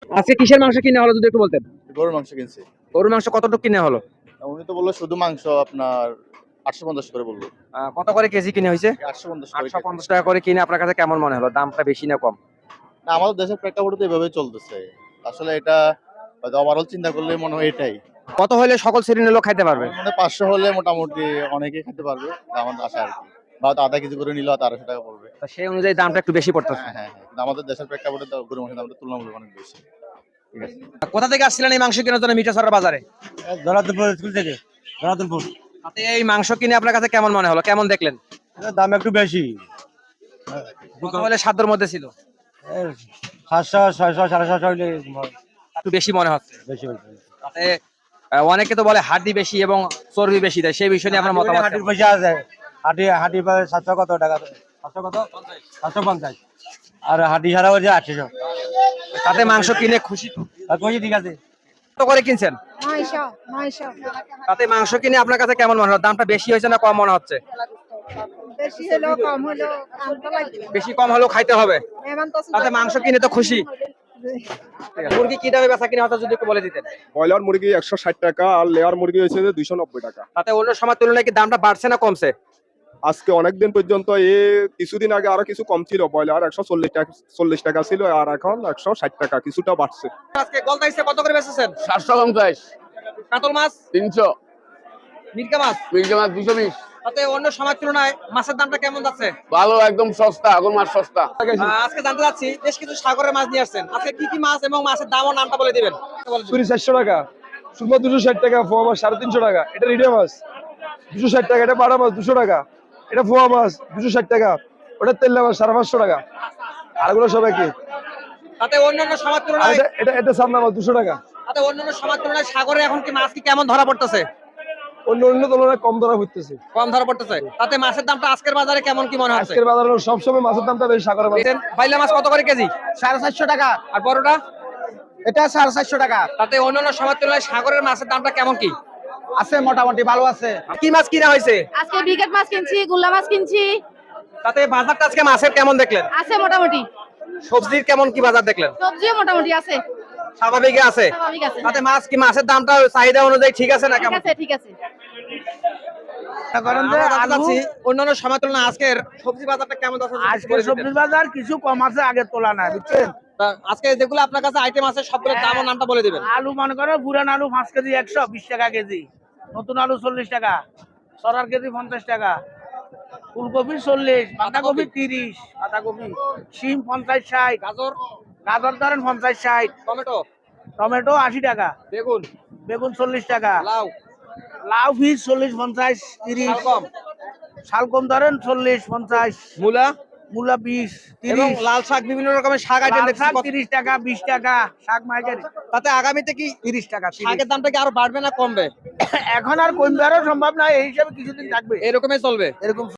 আজকে কিসের মাংস কিনে হলো যদি একটু বলতেন? গরুর মাংস কিনছি। গরুর মাংস কতটুকু কিনে হলো? উনি তো বললো শুধু মাংস আপনার 850 করে বললো। কত করে কেজি কিনে হয়েছে? 850 করে। 850 টাকা করে কিনে আপনার কাছে কেমন মনে হলো? দামটা বেশি না কম? না, আমাদের দেশের প্রেক্ষাপটে তো এভাবে চলতেছে। আসলে এটা ওভারঅল চিন্তা করলে মনে হয় এটাই। কত হলে সকল শ্রেণীর লোক খাইতে পারবে? মানে 500 হলে মোটামুটি অনেকেই খেতে পারবে। আমার আশা আর কি। বা হয়তো আধা কেজি করে নিলেও 1300 টাকা পড়বে। তো সেই অনুযায়ী দামটা একটু বেশি পড়তেছে। হ্যাঁ। কিন্তু আমাদের দেশের প্রেক্ষাপটে তো গরুর মাংসের দামটা তুলনামূলক অনেক বেশি। ঠিক আছে। কোথা থেকে আসছিলেন এই মাংস কেনার জন্য মিঠাছড়া বাজারে? ধরাতুলপুর স্কুল থেকে। ধরাতুলপুর তাতে এই মাংস কিনে আপনার কাছে কেমন মনে হলো? কেমন দেখলেন? দাম একটু বেশি। কত হলে সাধ্যের মধ্যে ছিল? 700 600 750 হইলে একটু বেশি মনে হচ্ছে। বেশি হইছে। তাতে অনেকে তো বলে হাড্ডি বেশি এবং চর্বি বেশি দেয়, সেই বিষয় নিয়ে আপনার মতামত হাটির কেমন? পয়সা আছে। হাটি পাবে 700 কত টাকা? 700 কত? 750। আর হাটি ছাড়া হচ্ছে 800। তাতে মাংস কিনে খুশি তো? আর কই ঠিক আছে। কত করে কিনছেন? 900 তাতে মাংস কিনে আপনার কাছে কেমন মনে হলো? দামটা বেশি হয়েছে না কম মনে হচ্ছে? বেশি হলো কম হলো দাম তো লাগবে। বেশি কম হলেও খাইতে হবে। মেহমান তো তাতে মাংস কিনে তো খুশি। মুরগি কি দামে বেচা কিনা হতো যদি একটু বলে দিতেন? ব্রয়লার মুরগি 160 টাকা আর লেয়ার মুরগি হয়েছে যে 290 টাকা। তাতে অন্য সময় তুলনায় কি দামটা বাড়ছে না কমছে? আজকে অনেকদিন পর্যন্ত কিছুদিন আগে আরো কিছু কম ছিল, ব্রয়লার 140 টাকা ছিল আর এখন 160 টাকা, কিছুটা বাড়ছে। আজকে গলদা হিসেবে কত করে বেচেছেন? 750, কাতল মাছ, 300, মিরকা মাছ, মির্গা মাছ 220। তাতে অন্য সময় তুলনায় মাছের দামটা কেমন যাচ্ছে? ভালো, একদম সস্তা, এখন মাছ সস্তা। আজকে জানতে চাচ্ছি বেশ কিছু সাগরের মাছ নিয়ে আসছেন, আজকে কি কি মাছ এবং মাছের দাম ও নামটা বলে দিবেন? 400 টাকা, সুরমা 260 টাকা, ফোয়া মাছ 350 টাকা, এটা রিডে মাছ 260 টাকা, এটা বাড়া মাছ 200 টাকা, এটা ফোয়া মাছ 260 টাকা, ওটা তেল্লা মাছ 550 টাকা, আর এগুলো সব একই। তাতে অন্যান্য সময় আর তুলনায় এটা সামনা মাছ 200 টাকা। তাতে অন্যান্য সময় তুলনায় সাগরে এখন কি মাছ কি কেমন ধরা পড়তেছে? অন্য তুলনায় কম ধরা হইতেছে। কম ধরা পড়তেছে। তাতে মাছের দামটা আজকের বাজারে কেমন কি মনে হচ্ছে? আজকের বাজারে সবসময় মাছের দামটা বেশি সাগরের মাছ। বাইলা মাছ কত করে কেজি? 450 টাকা। আর বড়টা? এটা 450 টাকা। তাতে অন্যান্য সময় তুলনায় সাগরের মাছের দামটা কেমন কি? আছে মোটামুটি ভালো আছে। কি মাছ কিনা হয়েছে? আজকে ব্রিগেড মাছ কিনছি, গুল্লা মাছ কিনছি। তাতে বাজারটা আজকে মাছের কেমন দেখলেন? আছে মোটামুটি। সবজির কেমন কি বাজার দেখলেন? সবজিও মোটামুটি আছে। স্বাভাবিক আছে। স্বাভাবিক আছে। তাতে মাছ কি মাছের দামটা চাহিদা অনুযায়ী ঠিক আছে না ঠিক কেমন? আছে, ঠিক আছে। আমরা জানতে চাচ্ছি, অন্যান্য সময় তুলনায় আজকের সবজি বাজারটা কেমন আছে? আজকে সবজির বাজার কিছু কম আছে আগের তুলনায়, বুঝছেন? আজকে যেগুলো আপনার কাছে আইটেম আছে সবগুলোর দাম ও নামটা বলে দিবেন। আলু মনে করো পুরান আলু 5 কেজি 120 টাকা কেজি, নতুন আলু 40 টাকা, সরার কেজি 50 টাকা, ফুলকপি 40, বাঁধাকপি 30, বাঁধাকপি, শিম 50 60, গাজর ধরেন 50 60, টমেটো, টমেটো 80 টাকা, বেগুন 40 টাকা, লাউ পিস 40 50 30, শালগম, শালগম ধরেন 40 50, মূলা 20 এবং 30, লাল শাক, বিভিন্ন রকমের শাক আইটেম লাল দেখছি। শাক 30 টাকা 20 টাকা, শাক মার্কেট তাতে আগামীতে কি 30 টাকা 30। শাকের দামটা কি আরো বাড়বে না কমবে? এখন আর কমবে আরো সম্ভব না, এই হিসাবে কিছুদিন থাকবে, এরকমই চলবে। এরকম